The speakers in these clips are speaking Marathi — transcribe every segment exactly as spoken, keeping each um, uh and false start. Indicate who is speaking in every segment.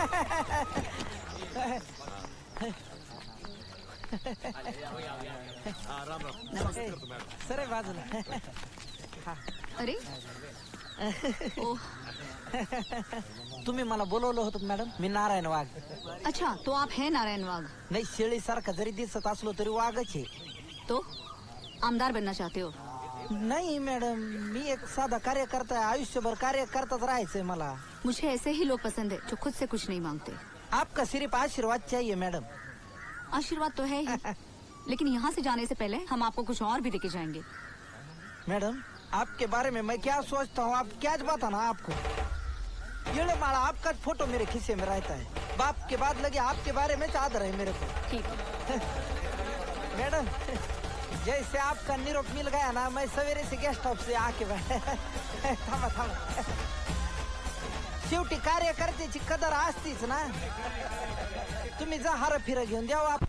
Speaker 1: सर बाजूला.
Speaker 2: अरे ओ
Speaker 1: तुम्ही मला बोलवलं होतं मॅडम. मी नारायण वाघ.
Speaker 2: अच्छा, तो आप है नारायण वाघ?
Speaker 1: नाही, शेळीसारखा जरी दिसत असलो तरी वाघच आहे.
Speaker 2: तो आमदार बनना चाहते हो?
Speaker 1: नाही मॅडम, मी एक साधा कार्यकर्ता आहे. आयुष्यभर कार्य करताच राहायचंय मला.
Speaker 2: मुझे ऐसे ही लोग पसंद है जो खुद से कुछ नहीं मांगते.
Speaker 1: आपका सिर्फ आशीर्वाद चाहिए मैडम.
Speaker 2: आशीर्वाद तो है ही, लेकिन यहाँ से जाने से पहले हम आपको कुछ और भी देके जाएंगे.
Speaker 1: मैडम, आपके बारे में मैं क्या सोचता हूँ आप क्या बताना आपको. ये लो माला, आपका फोटो मेरे खिस्से में रहता है. बाप के बाद लगे आपके बारे में चादर है मेरे को.
Speaker 2: ठीक है.
Speaker 1: मैडम, जैसे आपका निरोप मिल गया ना, मैं सवेरे से गेस्ट हाउस से आके थांबा थांबा. शेवटी कार्यकर्त्याची कदर असतीच ना. तुम्ही जा हार फिर घेऊन द्या. आप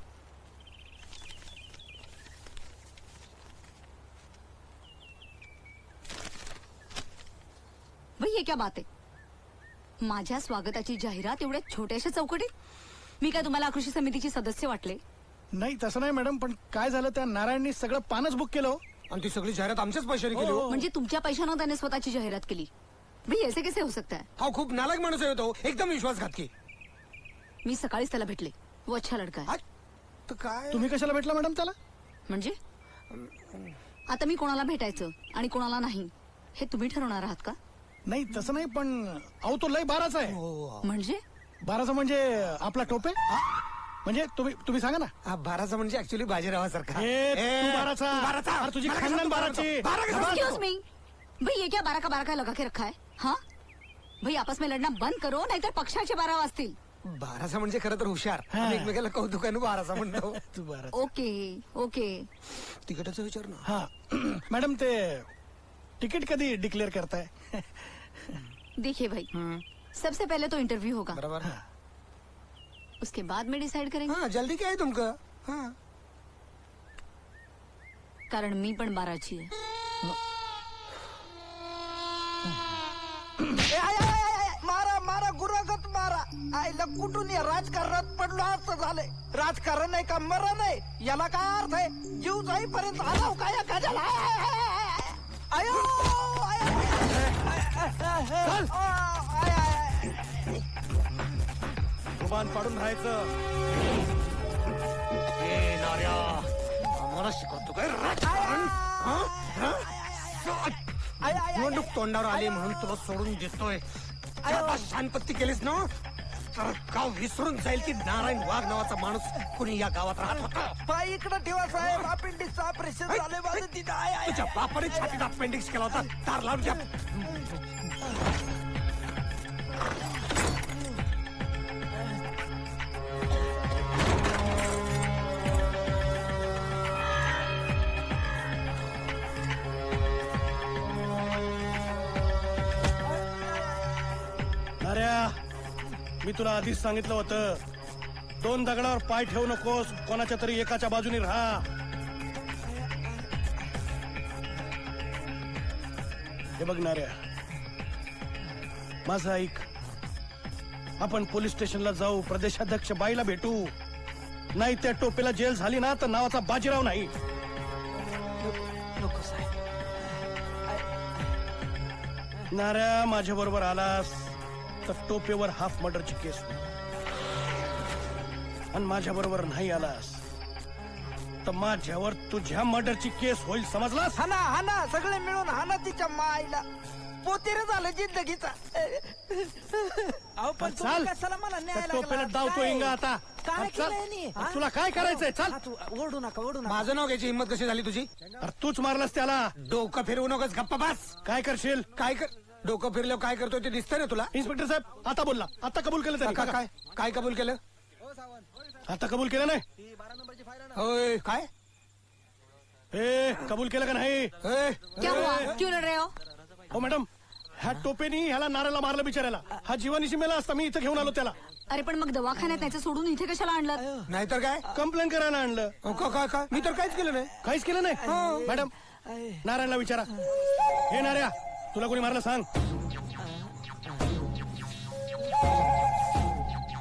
Speaker 2: भाई ये क्या बात आहे? माझ्या स्वागताची जाहिरात एवढ्या छोट्याशा चौकटीत? मी काय तुम्हाला कृषी समितीची सदस्य वाटले?
Speaker 3: नाही तसं नाही मॅडम, पण काय झालं त्या नारायणनी सगळं पानच बुक केलं
Speaker 4: आणि ती सगळी जाहिरात आमच्याच पैशाने केली हो.
Speaker 2: म्हणजे तुमच्या पैशानं त्याने स्वतःची जाहिरात केली? भाई ऐसे कैसे हो सकता है?
Speaker 4: हा खूप नालायक माणूस आहे तो, एकदम विश्वासघातकी.
Speaker 2: मी सकाळीच त्याला भेटले. वो अच्छा लड़का है.
Speaker 4: तर काय
Speaker 3: तुम्ही कशाला भेटला मॅडम त्याला?
Speaker 2: म्हणजे आता मी कोणाला भेटायचं आणि कोणाला नाही हे तुम्ही ठरवणार आहात का?
Speaker 3: नाही तसं नाही, पण अहो तो लय बाराचा आहे.
Speaker 2: म्हणजे
Speaker 3: बाराचा म्हणजे आपला टोपे. म्हणजे तुम्ही तुम्ही सांगा ना.
Speaker 4: हा बाराचा म्हणजे ऍक्च्युअली बाजीरावासारखा.
Speaker 3: ए, तू बाराचा.
Speaker 4: तू बाराचा.
Speaker 3: अरे, तुझी
Speaker 4: मला
Speaker 3: खानदान
Speaker 4: कसं
Speaker 3: बाराची.
Speaker 4: बारा कसं?
Speaker 2: एक्सक्यूज मी, भाई ये क्या बारह का बारह का लगा के रखा है? हाँ भाई, आपस में लड़ना बंद करो, नाहीतर पक्षाचे बारा वाजतील.
Speaker 4: बाराचा म्हणजे खरं तर हुशार.
Speaker 3: हा.
Speaker 4: आणि एकमेकाला कौतुकानं बाराचा म्हणतो.
Speaker 3: तू बारा.
Speaker 2: Okay okay.
Speaker 4: तिकटाचा विचार ना.
Speaker 3: हा मॅडम, ते तिकीट कधी डिक्लेअर करताय?
Speaker 2: देखिए भाई, सबसे पहले तो इंटरव्यू होगा,
Speaker 4: बरोबर.
Speaker 2: उसके बाद में डिसाइड करेंगे.
Speaker 4: हा जल्दी काय आहे तुमकं? हा
Speaker 2: कारण मी पण बाराची आहे.
Speaker 1: ए, आय, आय, आय, आय, मारा मारा गुरागत मारा. आईला कुठून या राजकारणात पडलो असं झालंय. राजकारण आहे का मरण आहे याला काय अर्थ आहे? जीव जाईपर्यंत आला काय या गजाला. आयो आय, आय, आय, आय, आय.
Speaker 3: जुबान पाडून राहायचं.
Speaker 4: ए नार्या, आम्हाला शिकवतो काय राजकारण? हा? हा?
Speaker 1: आय, आय, आय.
Speaker 4: निवडणूक तोंडावर आली म्हणून तुला सोडून देतोय. आता शांतपत्ती केलीस ना तर गाव विसरून जाईल की नारायण वाघ नावाचा माणूस कुणी या गावात राहत होता.
Speaker 1: पाय इकडे ठेवा साहेब, अपेंडिक्सचं ऑपरेशन झालंय माझं तिथं. आय, आय,
Speaker 4: तुझ्या बापाने छातीत अपेंडिक्स केला होता. तार लावून घ्या.
Speaker 3: मी तुला आधीच सांगितलं होतं, दोन दगडावर पाय ठेवू नकोस, कोणाच्या तरी एकाच्या बाजूने राहा. हे बघणाऱ्या, माझं ऐक. आपण पोलीस स्टेशनला जाऊ, प्रदेशाध्यक्ष बाईला भेटू. नाही त्या टोपेला जेल झाली ना तर नावाचा बाजीराव नाही.
Speaker 1: नको साहेब.
Speaker 3: नाऱ्या, माझ्या बरोबर आलास तर टोपेवर हाफ मर्डरची केस होईल. आणि माझ्या बरोबर नाही आलास तर माझ्यावर तुझ्या मर्डरची केस होईल. समजलास?
Speaker 1: हाना हाना सगळे मिळून हाना तिच्या माईला. पोतेर झालं जिंदगीचा. अहो पण तुम्ही
Speaker 3: चाल,
Speaker 1: कशाला मला न्याय
Speaker 3: त्या टोपेला
Speaker 1: लागला?
Speaker 3: डावतो
Speaker 1: काय?
Speaker 3: इंगा आता.
Speaker 1: काय
Speaker 3: चल.
Speaker 1: केलंय यांनी? हा?
Speaker 3: तुला काय करायचंय? चल.
Speaker 1: हा, तू ओरडू नका ओरडू नका.
Speaker 4: माझं नाव घ्यायची हिंमत कशी झाली तुझी?
Speaker 3: अरे तूच मारलास त्याला.
Speaker 4: डोकं फिरवू नकोस, गप्पा बस.
Speaker 3: काय करशील?
Speaker 4: काय कर डोकं फिरल्यावर काय करतोय ते दिसतंय ना तुला?
Speaker 3: इन्स्पेक्टर साहेब, आता बोलला. आता कबूल केलं
Speaker 4: का-
Speaker 3: त्याने.
Speaker 4: काय काय कबूल केलं?
Speaker 3: आता कबूल केलं नाही?
Speaker 4: होय काय?
Speaker 3: ए, कबूल केलं का नाही?
Speaker 4: ए,
Speaker 2: क्या हुआ? क्यों लड़ रहे हो?
Speaker 3: हो मॅडम, ह्या टोपेनी ह्याला नाऱ्याला मारलं बिचारायला. हा जीवानिशी मेला असता, मी इथं घेऊन आलो त्याला.
Speaker 2: अरे पण मग दवाखान्यात त्याचं सोडून इथे कशाला आणलं?
Speaker 4: नाहीतर काय?
Speaker 3: कंप्लेंट करायला आणलं.
Speaker 4: अहो, का- काय काय मी तर काहीच केलं नाही.
Speaker 3: काहीच केलं नाही. मॅडम, नारायणला विचारा. हे नाऱ्या, तुला कोणी मारलं सांग.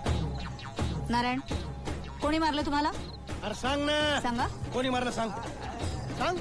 Speaker 2: नारायण, कोणी मारलं तुम्हाला?
Speaker 3: अरे सांग ना.
Speaker 2: सांगा.
Speaker 3: कोणी मारलं सांग. सांग.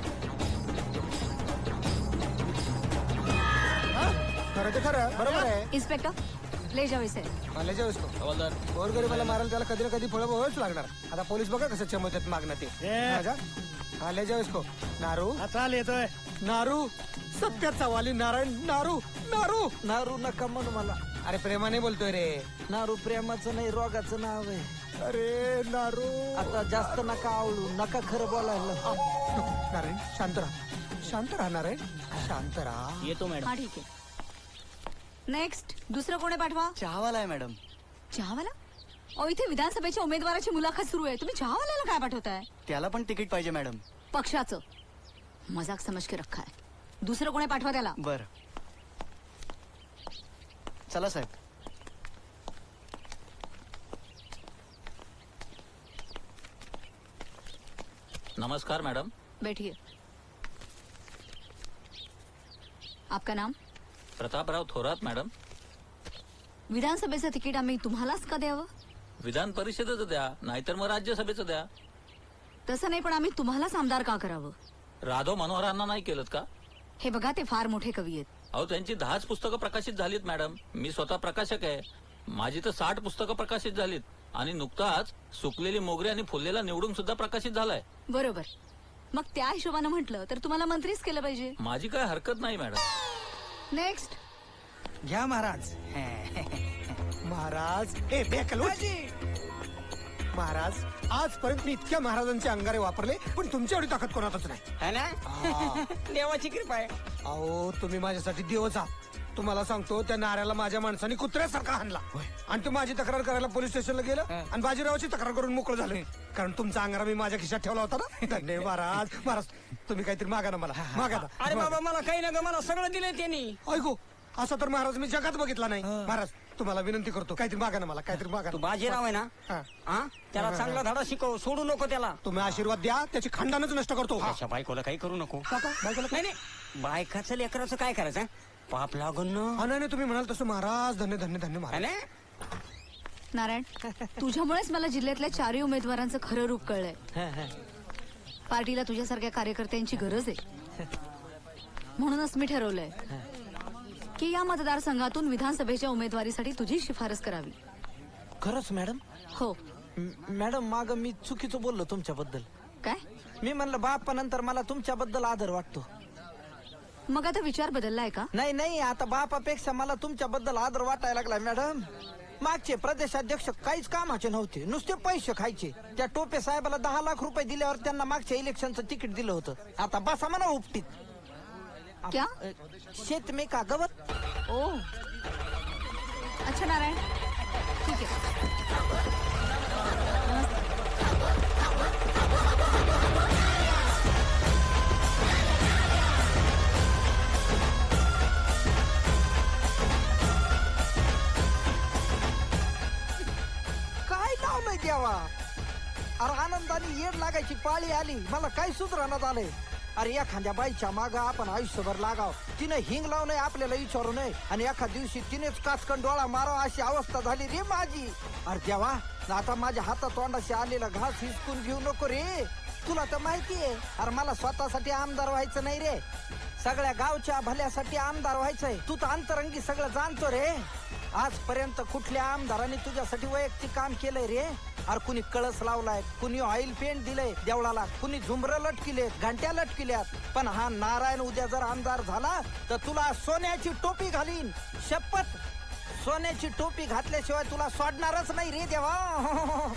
Speaker 4: खरं ते खरं बरोबर आहे.
Speaker 2: इन्स्पेक्टर ले जाओ इसे.
Speaker 4: मला जे गोरगरीबाला मारायला त्याला कधी ना कधी फळं भोगावीच लागणार. आता पोलीस बघा कसं चमवतात मागणं ते.
Speaker 3: ए.
Speaker 4: राजा, हा ले जाओ इसको. नारू
Speaker 3: हा, चाल येतोय.
Speaker 4: नारू सत्याचा वाली नारायण नारू नारू.
Speaker 1: नारू नका म्हणू मला.
Speaker 4: अरे प्रेमाने बोलतोय रे.
Speaker 1: नारू प्रेमाचं नाही रोगाचं नाव आहे.
Speaker 4: अरे नारू.
Speaker 1: आता जास्त नका आवडू, नका खरं बोलायला.
Speaker 4: नारायण शांत राहा, शांत राहा नारायण, शांत राहा.
Speaker 3: येतो मॅडम.
Speaker 2: हा ठीक आहे. नेक्स्ट दुसरं कोणी पाठवा.
Speaker 5: चहावाला आहे मॅडम.
Speaker 2: चहावाला? अहो इथे विधानसभेच्या उमेदवाराची मुलाखत सुरू आहे, तुम्ही चहावाल्याला काय पाठवताय?
Speaker 5: त्याला पण तिकीट पाहिजे मॅडम.
Speaker 2: पक्षाचं मजाक समज के रखा है. दुसरं कोणी पाठवा त्याला.
Speaker 5: बर चला साहेब.
Speaker 6: नमस्कार मैडम.
Speaker 2: बैठिए. आपका नाम?
Speaker 6: प्रतापराव थोरात मॅडम.
Speaker 2: विधानसभेचं तिकीट आम्ही तुम्हालाच का द्यावं?
Speaker 6: विधान परिषदेचं द्या, नाहीतर मग राज्यसभेचं द्या.
Speaker 2: तसं नाही, पण आम्ही तुम्हालाच आमदार का करावं?
Speaker 6: राधव मनोहरांना नाही केलं का?
Speaker 2: हे बघा, ते फार मोठे कवी आहेत.
Speaker 6: अहो त्यांची दहाच पुस्तकं प्रकाशित झालीत मॅडम. मी स्वतः प्रकाशक आहे. माझी तर साठ पुस्तकं प्रकाशित झालीत आणि नुकताच सुकलेली मोगरी आणि फुललेला निवडून सुद्धा प्रकाशित झालाय.
Speaker 2: बरोबर. मग त्या हिशोबानं म्हटलं तर तुम्हाला मंत्रीच केलं पाहिजे.
Speaker 6: माझी काय हरकत नाही मॅडम.
Speaker 2: नेक्स्ट.
Speaker 1: घ्या महाराज.
Speaker 4: महाराज ए बेकलो. महाराज आजपर्यंत मी इतक्या महाराजांचे अंगारे वापरले, पण तुमची एवढी ताकद कोणातच नाही.
Speaker 1: है ना? देवाची कृपा आहे.
Speaker 4: अहो तुम्ही माझ्यासाठी देवच आहात. तुम्हाला सांगतो, त्या नाऱ्याला माझ्या माणसाने कुत्र्यासारखा हाणला आणि तू माझी तक्रार करायला पोलीस स्टेशनला गेलं आणि बाजीरावाची तक्रार करून मोकळं झालं. कारण तुमचा अंगारा मी माझ्या खिशात ठेवला होता ना. धन्यवाद महाराज. महाराज तुम्ही काहीतरी मागा ना मला. मागा ना.
Speaker 1: अरे बाबा, मला काही नका, मला सगळं दिलंय त्यांनी.
Speaker 4: ऐकू, असं तर महाराज मी जगात बघितला नाही. महाराज तुम्हाला विनंती करतो, काहीतरी मागा ना मला, काहीतरी मागा.
Speaker 1: तू बाजीराव आहे ना?
Speaker 4: हा.
Speaker 1: हा, त्याला चांगला धडा शिकव, सोडू नको त्याला.
Speaker 4: तुम्ही आशीर्वाद द्या, त्याची खंडानच नष्ट करतो.
Speaker 1: अशा बायकोला काही करू नको.
Speaker 4: बायकोला
Speaker 1: नाही नाही, बायकाचं लेकराचं काय करायचं? पाप लागून ना.
Speaker 4: हा नाही नाही, तुम्ही म्हणाल तसं महाराज. धन्य धन्य धन्य
Speaker 1: है
Speaker 4: महाराज.
Speaker 1: ना?
Speaker 2: नारायण, तुझ्यामुळेच मला जिल्ह्यातल्या चारही उमेदवारांचं खरं रूप कळलंय. पार्टीला तुझ्यासारख्या कार्यकर्त्यांची गरज आहे. म्हणूनच मी ठरवलंय की या मतदारसंघातून विधानसभेच्या उमेदवारीसाठी तुझी शिफारस करावी.
Speaker 1: खरंच मॅडम?
Speaker 2: हो.
Speaker 1: म- मॅडम, माग मी चुकीचं बोललो तुमच्याबद्दल.
Speaker 2: काय?
Speaker 1: मी म्हणलं बाप्पा नंतर मला तुमच्याबद्दल आदर वाटतो.
Speaker 2: मग आता विचार बदललाय का?
Speaker 1: नाही नाही, आता बापापेक्षा मला तुमच्याबद्दल आदर वाटायला लागलाय मॅडम. मागचे प्रदेशाध्यक्ष काहीच कामाचे नव्हते, नुसते पैसे खायचे. त्या टोपे साहेबाला दहा लाख रुपये दिल्यावर त्यांना मागच्या इलेक्शनचं तिकीट दिलं होतं. आता बसा म्हणा उपटीत.
Speaker 2: क्या?
Speaker 1: शेत मे का गवत.
Speaker 2: ओ, अच्छा नारायण, ठीक आहे.
Speaker 1: काय लावलंय देवा? अरे आनंदाने येड लागायची पाळी आली, मला काय सुधारण्यात आलंय. अरे एखाद्या बाईच्या माग आपण आयुष्यभर लागाव, तिने हिंग लावू नये, आपल्याला विचारू नये, आणि एका दिवशी तिनेच काचकन डोळा मारावा अशी अवस्था झाली रे माझी. अरे देवा, आता माझ्या हातात तोंडाशी आलेला घास हिसकून घेऊ नको रे. तुला तर माहितीये, अरे मला स्वतःसाठी आमदार व्हायचं नाही रे, सगळ्या गावच्या भल्यासाठी आमदार व्हायचंय. तू तर अंतरंगी सगळं जाणतो रे. आजपर्यंत कुठल्या आमदारांनी तुझ्यासाठी वैयक्तिक काम केलंय रे? अरे कुणी कळस लावलाय, कुणी ऑइल पेंट दिलंय देवळाला, कुणी झुंबर लटकिलेत, घंट्या लटकिल्यात. पण हा नारायण उद्या जर आमदार झाला तर तुला सोन्याची टोपी घालीन, शपथ. सोन्याची टोपी घातल्याशिवाय तुला सोडणारच नाही रे देवा.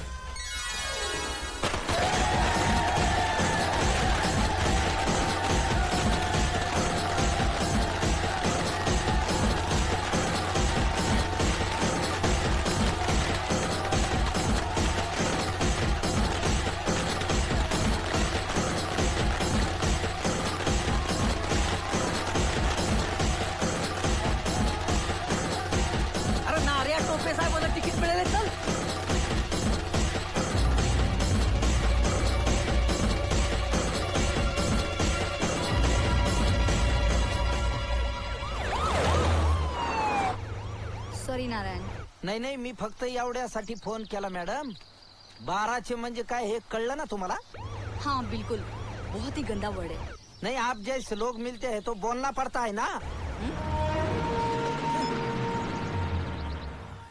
Speaker 1: अरे नार्या टोपे साहेबांना तिकीट मिळेल, चल.
Speaker 2: सॉरी नारायण.
Speaker 1: नाही नाही मी फक्त एवढ्यासाठी फोन केला मॅडम. बाराचे म्हणजे काय हे कळलं ना तुम्हाला?
Speaker 2: हाँ बिल्कुल, बहुत ही गंदा वर्ड है.
Speaker 1: नहीं आप जैसे लोग मिलते हैं तो बोलना पड़ता है ना.
Speaker 2: हं?